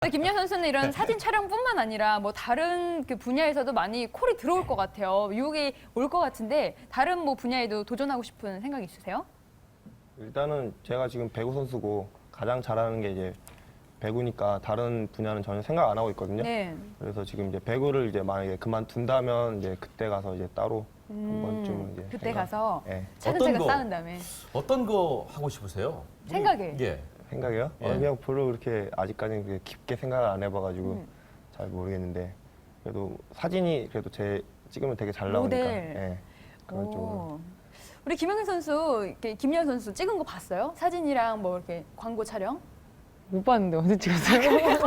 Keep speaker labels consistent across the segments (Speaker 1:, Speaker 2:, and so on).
Speaker 1: 김연 선수는 이런 사진 촬영뿐만 아니라 뭐 다른 그 분야에서도 많이 콜이 들어올 것 같아요. 유혹이 올 것 같은데 다른 뭐 분야에도 도전하고 싶은 생각 있으세요?
Speaker 2: 일단은 제가 지금 배구 선수고 가장 잘하는 게 이제 배구니까 다른 분야는 전혀 생각 안 하고 있거든요.
Speaker 1: 네.
Speaker 2: 그래서 지금 이제 배구를 이제 만약에 그만둔다면 이제 그때 가서 이제 따로 한 번쯤은 이제
Speaker 1: 그때 가서
Speaker 2: 예.
Speaker 1: 차근차근
Speaker 3: 어떤 거?
Speaker 1: 쌓은 다음에
Speaker 3: 어떤 거 하고 싶으세요?
Speaker 1: 생각에.
Speaker 3: 예.
Speaker 2: 생각이요?
Speaker 3: 예.
Speaker 2: 그냥 별로 그렇게 아직까지는 그렇게 깊게 생각을 안 해봐가지고 잘 모르겠는데 그래도 사진이 그래도 제 찍으면 되게 잘 나오니까
Speaker 1: 모델.
Speaker 2: 예. 그런 쪽으로.
Speaker 1: 오. 우리 김연경 선수, 이렇게 김연 선수 찍은 거 봤어요? 사진이랑 뭐 이렇게 광고 촬영?
Speaker 4: 못 봤는데 언제 찍었어요?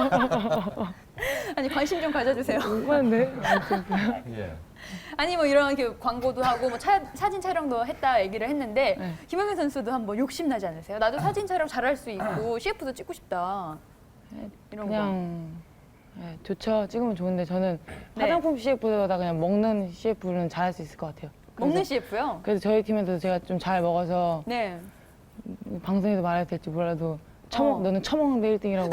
Speaker 1: 아니 관심 좀 가져주세요.
Speaker 4: 못 봤는데.
Speaker 3: 예.
Speaker 1: 아니 뭐 이런 이렇게 광고도 하고 뭐 사진 촬영도 했다 얘기를 했는데
Speaker 4: 네.
Speaker 1: 김연경 선수도 한번 욕심 나지 않으세요? 나도 사진 촬영 잘할 수 있고 CF도 찍고 싶다. 이런 거.
Speaker 4: 그냥 네, 좋죠. 찍으면 좋은데 저는
Speaker 1: 네.
Speaker 4: 화장품 CF보다 그냥 먹는 CF는 잘할 수 있을 것 같아요.
Speaker 1: 먹는 CF요?
Speaker 4: 그래서 저희 팀에도 제가 좀 잘 먹어서
Speaker 1: 네.
Speaker 4: 방송에도 말해도 될지 몰라도 너는 처먹는데 1등이라고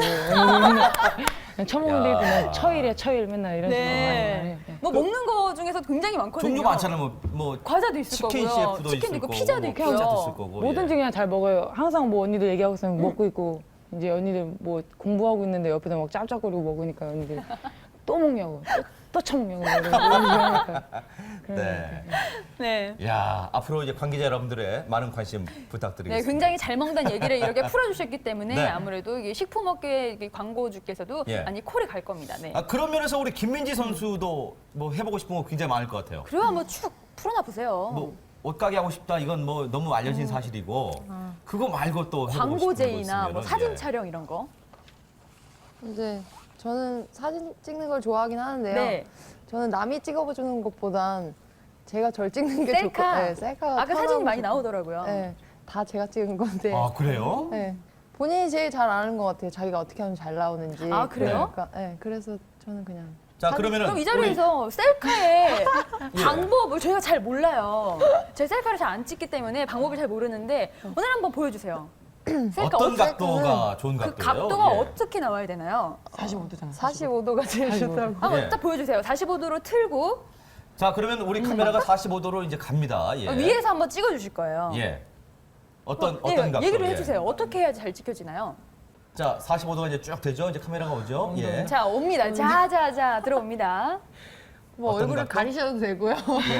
Speaker 4: 처먹는데
Speaker 3: 야.
Speaker 4: 1등 난 처일이야 처일 맨날 이런 식으로 많이
Speaker 1: 네.
Speaker 4: 말해요. 네.
Speaker 1: 뭐 먹는 거 중에서 굉장히 많거든요.
Speaker 3: 종류 많잖아요. 뭐
Speaker 1: 과자도 있을
Speaker 3: 치킨
Speaker 1: 거고요.
Speaker 3: CF도
Speaker 1: 치킨도
Speaker 3: 있을
Speaker 1: 있고
Speaker 3: 거고,
Speaker 1: 피자도
Speaker 3: 뭐
Speaker 1: 있고요.
Speaker 3: 피자도 있을 거고.
Speaker 4: 뭐든지
Speaker 3: 예.
Speaker 4: 그냥 잘 먹어요. 항상 뭐 언니들 얘기하고 있으면 먹고 있고 이제 언니들 뭐 공부하고 있는데 옆에서 막 짭짭거리고 먹으니까 언니들 또 먹냐고 또 처먹냐고 이러니까.
Speaker 3: 네.
Speaker 1: 네.
Speaker 3: 야, 앞으로 이제 관계자 여러분들의 많은 관심
Speaker 1: 네,
Speaker 3: 부탁드리겠습니다.
Speaker 1: 굉장히 잘 먹는다는 얘기를 이렇게 풀어주셨기 때문에
Speaker 3: 네.
Speaker 1: 아무래도 이게 식품업계 광고주께서도
Speaker 3: 예.
Speaker 1: 많이 콜이 갈 겁니다. 네.
Speaker 3: 아, 그런 면에서 우리 김민지 선수도 뭐 해보고 싶은 거 굉장히 많을 것 같아요.
Speaker 1: 그리고 한번 쭉 풀어놔 보세요.
Speaker 3: 뭐 옷가게 하고 싶다 이건 뭐 너무 알려진 사실이고 그거 말고 또 해보고 싶은 거
Speaker 1: 광고제이나 뭐
Speaker 3: 있으면은,
Speaker 1: 사진
Speaker 3: 예.
Speaker 1: 촬영 이런 거.
Speaker 5: 이제 저는 사진 찍는 걸 좋아하긴 하는데요.
Speaker 1: 네.
Speaker 5: 저는 남이 찍어주는 것보단 제가 절 찍는 게
Speaker 1: 셀카.
Speaker 5: 좋고, 네, 셀카가
Speaker 1: 아까 사진이 많이 나오더라고요.
Speaker 5: 네, 다 제가 찍은 건데.
Speaker 3: 아, 그래요?
Speaker 5: 네, 본인이 제일 잘 아는 것 같아요. 자기가 어떻게 하면 잘 나오는지.
Speaker 1: 아, 그래요?
Speaker 5: 그러니까, 네, 그래서 저는 그냥
Speaker 3: 자, 그러면은
Speaker 1: 그럼 이 자리에서 셀카의 방법을 저희가 잘 몰라요. 제 셀카를 잘 안 찍기 때문에 방법을 잘 모르는데 오늘 한번 보여주세요. 셀카
Speaker 3: 어떤
Speaker 1: 어떻게-
Speaker 3: 각도가 좋은
Speaker 1: 그
Speaker 3: 각도예요?
Speaker 1: 각도가
Speaker 3: 예.
Speaker 1: 어떻게 나와야 되나요?
Speaker 4: 45도잖아.
Speaker 5: 45도가 제일
Speaker 4: 45.
Speaker 5: 좋다고.
Speaker 1: 한번
Speaker 3: 예.
Speaker 1: 딱 보여주세요. 45도로 틀고
Speaker 3: 자, 그러면 우리 카메라가 45도로 이제 갑니다. 예.
Speaker 1: 위에서 한번 찍어주실 거예요.
Speaker 3: 예. 어떤
Speaker 1: 네,
Speaker 3: 각도?
Speaker 1: 얘기를
Speaker 3: 예.
Speaker 1: 해주세요. 어떻게 해야지 잘 찍혀지나요?
Speaker 3: 자, 45도가 이제 쭉 되죠? 이제 카메라가 오죠? 예.
Speaker 1: 자, 옵니다. 자자자 들어옵니다.
Speaker 5: 뭐
Speaker 3: 어떤
Speaker 5: 얼굴을
Speaker 3: 각도?
Speaker 5: 가리셔도 되고요.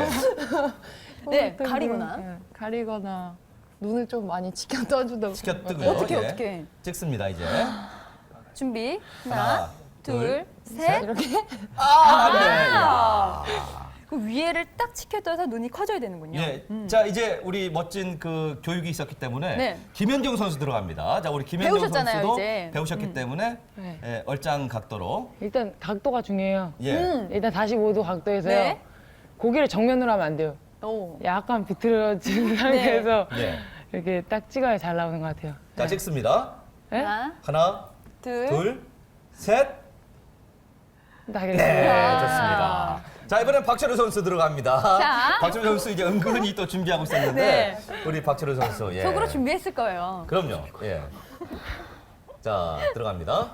Speaker 1: 네,
Speaker 5: 어떤
Speaker 1: 가리거나.
Speaker 5: 네, 가리거나 눈을 좀 많이 치켜 떠주다.
Speaker 3: 치켜 뜨고요.
Speaker 1: 어떻게
Speaker 3: 예.
Speaker 1: 어떻게?
Speaker 3: 찍습니다, 이제.
Speaker 1: 준비.
Speaker 3: 하나,
Speaker 1: 하나, 둘, 셋.
Speaker 5: 이렇게?
Speaker 3: 아, 네. 야.
Speaker 1: 그 위에를 딱 치켜떠서 눈이 커져야 되는군요.
Speaker 3: 예. 자, 이제 우리 멋진 그 교육이 있었기 때문에
Speaker 1: 네.
Speaker 3: 김연경 선수 들어갑니다. 자, 우리 김연경
Speaker 1: 배우셨잖아요,
Speaker 3: 선수도
Speaker 1: 이제.
Speaker 3: 배우셨기 때문에
Speaker 4: 네.
Speaker 3: 예, 얼짱 각도로
Speaker 4: 일단 각도가 중요해요.
Speaker 3: 예.
Speaker 4: 일단 45도 각도에서요.
Speaker 1: 네.
Speaker 4: 고개를 정면으로 하면 안 돼요.
Speaker 1: 오.
Speaker 4: 약간 비틀어진 상태에서
Speaker 3: 예.
Speaker 4: 이렇게 딱 찍어야 잘 나오는 것 같아요.
Speaker 3: 자, 찍습니다.
Speaker 4: 네?
Speaker 1: 하나,
Speaker 3: 하나,
Speaker 1: 둘.
Speaker 3: 둘, 셋.
Speaker 4: 딱
Speaker 3: 네,
Speaker 4: 이렇게.
Speaker 3: 좋습니다. 자, 이번엔 박철우 선수 들어갑니다.
Speaker 1: 자.
Speaker 3: 박철우 선수 이제 은근히 또 준비하고 있었는데
Speaker 1: 네.
Speaker 3: 우리 박철우 선수 예.
Speaker 1: 속으로 준비했을 거예요.
Speaker 3: 그럼요. 예. 자, 들어갑니다.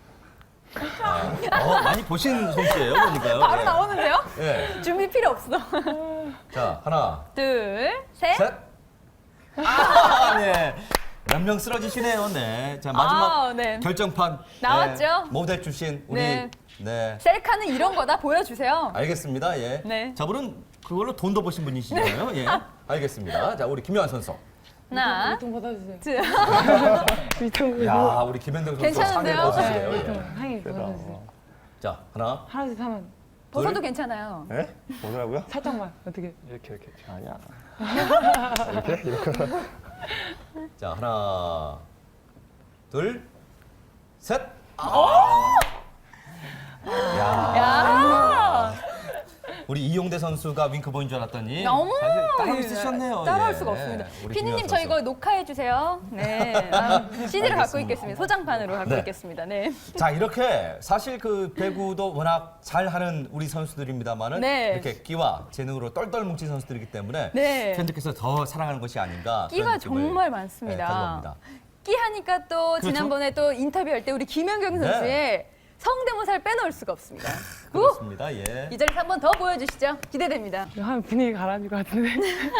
Speaker 3: 많이 보신 솜씨예요, 보니까요.
Speaker 1: 바로
Speaker 3: 예.
Speaker 1: 나오는데요?
Speaker 3: 예.
Speaker 1: 준비 필요 없어.
Speaker 3: 자, 하나,
Speaker 1: 둘, 셋.
Speaker 3: 셋. 아, 네. 몇 명 쓰러지시네요. 네. 자, 마지막
Speaker 1: 아, 네.
Speaker 3: 결정판.
Speaker 1: 나왔죠?
Speaker 3: 네. 모델 출신 우리
Speaker 1: 네.
Speaker 3: 네.
Speaker 1: 셀카는 이런 거다 보여주세요.
Speaker 3: 알겠습니다. 예.
Speaker 1: 네.
Speaker 3: 저분은 그걸로 돈도 버신 분이시잖아요. 예. 알겠습니다. 자, 우리 김요한 선수.
Speaker 1: 하나,
Speaker 4: 좀 받아주세요.
Speaker 1: 둘.
Speaker 4: 위통
Speaker 3: 야, 우리 김현정 선수 상에
Speaker 1: 괜찮은데요?
Speaker 3: 벗으시네요.
Speaker 4: 위통
Speaker 3: 예.
Speaker 4: 상에 받아주세요.
Speaker 3: 자, 하나.
Speaker 4: 하나씩 사면
Speaker 1: 벗어도
Speaker 3: 둘.
Speaker 1: 괜찮아요.
Speaker 2: 예? 뭐라고요?
Speaker 4: 살짝만 어떻게?
Speaker 2: 이렇게 아니야.
Speaker 3: 자, 하나. 둘. 셋.
Speaker 1: 야,
Speaker 3: 우리 이용대 선수가 윙크 보인 줄 알았더니
Speaker 1: 너무
Speaker 3: 사실 따로 있으셨네요.
Speaker 1: 따라올
Speaker 3: 예.
Speaker 1: 수가 없습니다.
Speaker 3: 우리
Speaker 1: 피디님
Speaker 3: 김요한
Speaker 1: 저
Speaker 3: 선수.
Speaker 1: 이거 녹화해 주세요. 네, CD를 갖고 있겠습니다. 소장판으로 갖고
Speaker 3: 네.
Speaker 1: 있겠습니다. 네.
Speaker 3: 자, 이렇게 사실 그 배구도 워낙 잘하는 우리 선수들입니다만은
Speaker 1: 네.
Speaker 3: 이렇게 끼와 재능으로 똘똘 뭉친 선수들이기 때문에
Speaker 1: 네.
Speaker 3: 팬들께서 더 사랑하는 것이 아닌가.
Speaker 1: 끼가
Speaker 3: 그런 느낌을,
Speaker 1: 정말
Speaker 3: 네,
Speaker 1: 많습니다.
Speaker 3: 가져봅니다.
Speaker 1: 끼 하니까 또
Speaker 3: 그렇죠.
Speaker 1: 지난번에 또 인터뷰할 때 우리 김연경
Speaker 3: 네.
Speaker 1: 선수의 성대모사를 빼놓을 수가 없습니다.
Speaker 3: 그렇습니다. 예.
Speaker 1: 이 자리에서 한 번 더 보여주시죠. 기대됩니다.
Speaker 4: 이거 하면 분위기 가라앉을 것 같은데.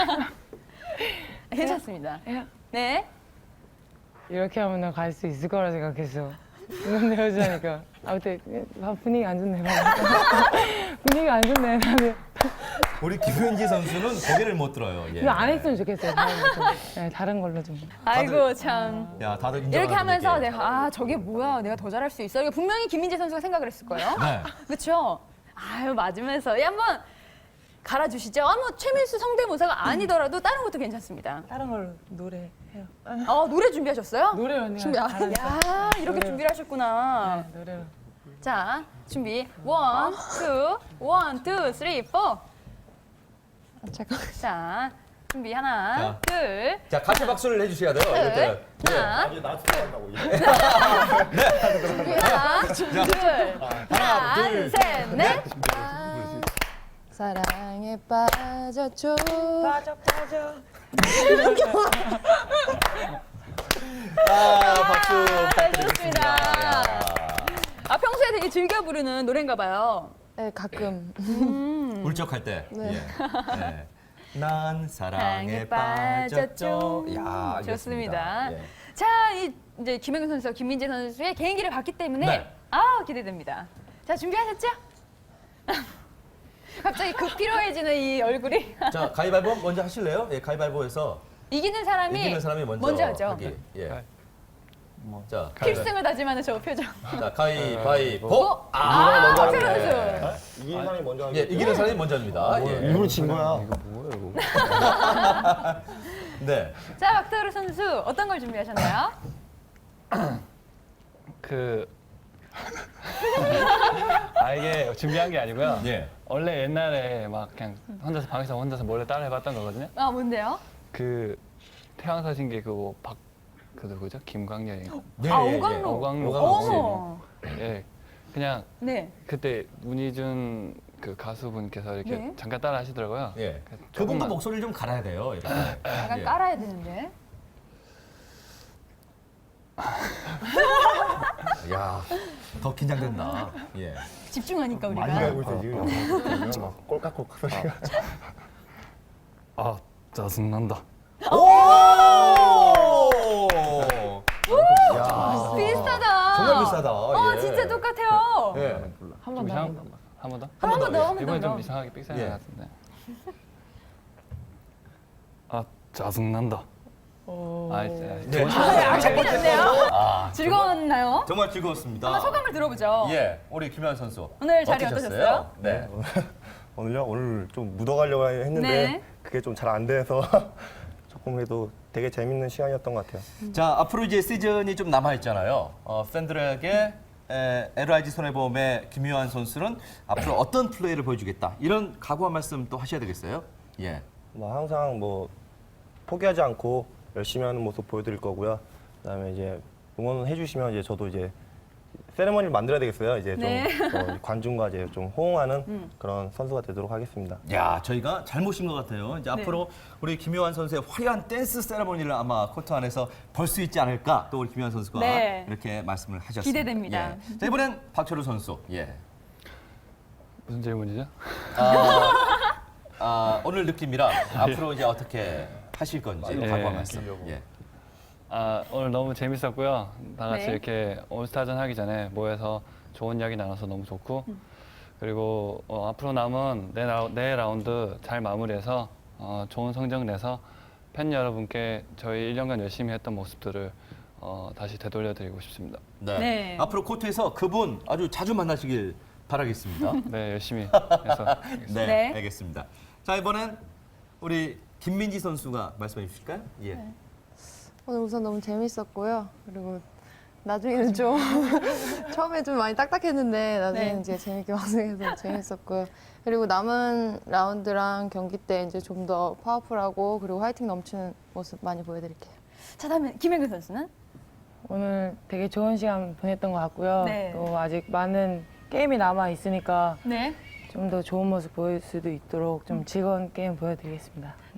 Speaker 1: 괜찮습니다.
Speaker 4: 야,
Speaker 1: 네.
Speaker 4: 이렇게 하면 갈 수 있을 거라 생각했어. 이건 여자니까. 아무튼 분위기 안 좋네. 분위기 안 좋네. 나는
Speaker 3: 우리 김은지 선수는 고개를 못 들어요. 예.
Speaker 4: 이거 안 했으면 좋겠어요. 네, 다른 걸로 좀.
Speaker 1: 아이고 참.
Speaker 3: 야, 다들 인정하는
Speaker 1: 이렇게 하면서
Speaker 3: 분위기.
Speaker 1: 내가 아 저게 뭐야 내가 더 잘할 수 있어 이거 분명히 김민재 선수가 생각을 했을 거예요.
Speaker 3: 네.
Speaker 1: 그렇죠? 아유 맞으면서 한번 갈아주시죠. 뭐 최민수 성대모사가 아니더라도 다른 것도 괜찮습니다.
Speaker 4: 다른 걸로 노래해요.
Speaker 1: 노래 준비하셨어요?
Speaker 4: 노래 언니가
Speaker 1: 준비. 야 이렇게
Speaker 4: 노래로.
Speaker 1: 준비를 하셨구나.
Speaker 4: 네, 노래로.
Speaker 1: 자 준비. 원, 투, 쓰리, 포.
Speaker 5: 잠깐.
Speaker 1: 자 준비 하나,
Speaker 3: 자.
Speaker 1: 둘,
Speaker 3: 자, 같이 박수를 해주셔야 돼요.
Speaker 1: 셋,
Speaker 3: 이렇게.
Speaker 1: 하나,
Speaker 2: 아주 나 좋아한다고.
Speaker 1: 하나, 둘, 셋, 넷.
Speaker 5: 사랑에 빠졌죠.
Speaker 4: 빠져.
Speaker 3: 박수
Speaker 1: 잘
Speaker 3: 부탁드리겠습니다.
Speaker 1: 들었습니다. 평소에 되게 즐겨 부르는 노래인가 봐요.
Speaker 5: 네, 가끔.
Speaker 3: 울적할 때.
Speaker 5: 네.
Speaker 3: 예. 네. 난 사랑에
Speaker 1: 사랑에 빠졌죠.
Speaker 3: 빠졌죠. 야, 알겠습니다.
Speaker 1: 좋습니다.
Speaker 3: 예.
Speaker 1: 자, 이제 김연경 선수와 김민재 선수의 개인기를 봤기 때문에
Speaker 3: 네.
Speaker 1: 기대됩니다. 자, 준비하셨죠? 갑자기 급 피로해지는 이 얼굴이
Speaker 3: 자, 가위바위보 먼저 하실래요? 예, 가위바위보에서
Speaker 1: 이기는 사람이
Speaker 3: 먼저
Speaker 1: 하죠.
Speaker 3: 하기. 예. 자,
Speaker 1: 필승을 다짐하는 저 표정.
Speaker 3: 자, 가위바위보.
Speaker 2: 먼저
Speaker 1: 박세로
Speaker 2: 하는데.
Speaker 1: 선수.
Speaker 2: 이기는 사람이 먼저 하는
Speaker 3: 예, 이기는 사람이 먼저 합니다. 예.
Speaker 2: 일부러 진 거야.
Speaker 3: 네.
Speaker 1: 자, 박세로 선수 어떤 걸 준비하셨나요?
Speaker 6: 이게 준비한 게 아니고요.
Speaker 3: 예.
Speaker 6: 원래 옛날에 막 그냥 혼자서 몰래 따라 해봤던 거거든요.
Speaker 1: 뭔데요?
Speaker 6: 그 태양사신기 그 누구죠? 김광렬이.
Speaker 3: 네,
Speaker 1: 오광로.
Speaker 6: 오광로.
Speaker 1: 어머.
Speaker 6: 예. 그냥
Speaker 1: 네.
Speaker 6: 그때 문희준 그 가수분께서 이렇게
Speaker 1: 네.
Speaker 6: 잠깐 따라 하시더라고요.
Speaker 3: 예.
Speaker 6: 그래서
Speaker 3: 그분도
Speaker 6: 조금만-
Speaker 3: 목소리를 좀 갈아야 돼요. 이렇게.
Speaker 1: 약간
Speaker 3: 예.
Speaker 1: 깔아야 되는데.
Speaker 3: 야, 더 긴장된다. 예.
Speaker 1: 집중하니까 우리가.
Speaker 2: 많이 알고 있어 지금. 막 꼴깍꼴깍 소리가.
Speaker 6: 짜증난다.
Speaker 3: 오!
Speaker 1: 비슷하다.
Speaker 3: 정말 비슷하다. 예.
Speaker 1: 진짜 똑같아요.
Speaker 3: 예.
Speaker 4: 한 번 더.
Speaker 6: 한 번 더?
Speaker 1: 한 번 더, 한 번
Speaker 6: 이번에
Speaker 1: 더.
Speaker 6: 좀 이상하게 삑사리
Speaker 3: 예.
Speaker 6: 것 같은데. 짜증난다.
Speaker 3: 네.
Speaker 1: 작품이 났네요. 즐거웠나요?
Speaker 3: 정말 즐거웠습니다.
Speaker 1: 한번 소감을 들어보죠.
Speaker 3: 예, 우리 김현 선수.
Speaker 1: 오늘 자리
Speaker 3: 어떠셨어요?
Speaker 1: 어떠셨어요?
Speaker 3: 네.
Speaker 2: 오늘요? 오늘 좀 묻어가려고 했는데
Speaker 1: 네.
Speaker 2: 그게 좀 잘 안 돼서 조금 그래도 되게 재밌는 시간이었던 것 같아요.
Speaker 3: 자, 앞으로 이제 시즌이 좀 남아 있잖아요. 팬들에게 LIG 손해보험의 김유한 선수는 앞으로 어떤 플레이를 보여주겠다. 이런 각오한 말씀 또 하셔야 되겠어요. 예.
Speaker 2: 뭐 항상 뭐 포기하지 않고 열심히 하는 모습 보여드릴 거고요. 그다음에 이제 응원해 주시면 이제 저도 이제 세레머니를 만들어야 되겠어요. 이제 좀
Speaker 1: 네.
Speaker 2: 관중과 이제 좀 호응하는 그런 선수가 되도록 하겠습니다.
Speaker 3: 야, 저희가 잘 모신 것 같아요. 이제
Speaker 1: 네.
Speaker 3: 앞으로 우리 김유한 선수의 화려한 댄스 세레머니를 아마 코트 안에서 볼 수 있지 않을까. 또 우리 김유한 선수가
Speaker 1: 네.
Speaker 3: 이렇게 말씀을 하셨습니다.
Speaker 1: 기대됩니다.
Speaker 3: 예. 자, 이번엔 박철우 선수. 예.
Speaker 6: 무슨 질문이죠?
Speaker 3: 오늘 느낌이랑 앞으로 이제 어떻게 하실 건지
Speaker 6: 예.
Speaker 3: 각오한 말씀. 예.
Speaker 6: 오늘 너무 재밌었고요. 다 같이
Speaker 1: 네.
Speaker 6: 이렇게 올스타전 하기 전에 모여서 좋은 이야기 나눠서 너무 좋고 그리고 앞으로 남은 네 라운드 잘 마무리해서 좋은 성적 내서 팬 여러분께 저희 1년간 열심히 했던 모습들을 다시 되돌려드리고 싶습니다.
Speaker 3: 네.
Speaker 1: 네.
Speaker 3: 앞으로 코트에서 그분 아주 자주 만나시길 바라겠습니다.
Speaker 6: 네, 열심히 해서
Speaker 3: 네,
Speaker 1: 네.
Speaker 3: 알겠습니다. 자, 이번엔 우리 김민지 선수가 말씀해 주실까요? 예.
Speaker 5: 오늘 우선 너무 재밌었고요. 그리고 나중에는 좀 처음에 좀 많이 딱딱했는데 나중에는
Speaker 1: 네.
Speaker 5: 이제 재밌게 방송해서 재밌었고요. 그리고 남은 라운드랑 경기 때 이제 좀 더 파워풀하고 그리고 화이팅 넘치는 모습 많이 보여드릴게요.
Speaker 1: 자, 다음에 김연경 선수는?
Speaker 4: 오늘 되게 좋은 시간 보냈던 것 같고요.
Speaker 1: 네.
Speaker 4: 또 아직 많은 게임이 남아 있으니까
Speaker 1: 네.
Speaker 4: 좀 더 좋은 모습 보일 수도 있도록 좀 즐거운 게임 보여드리겠습니다.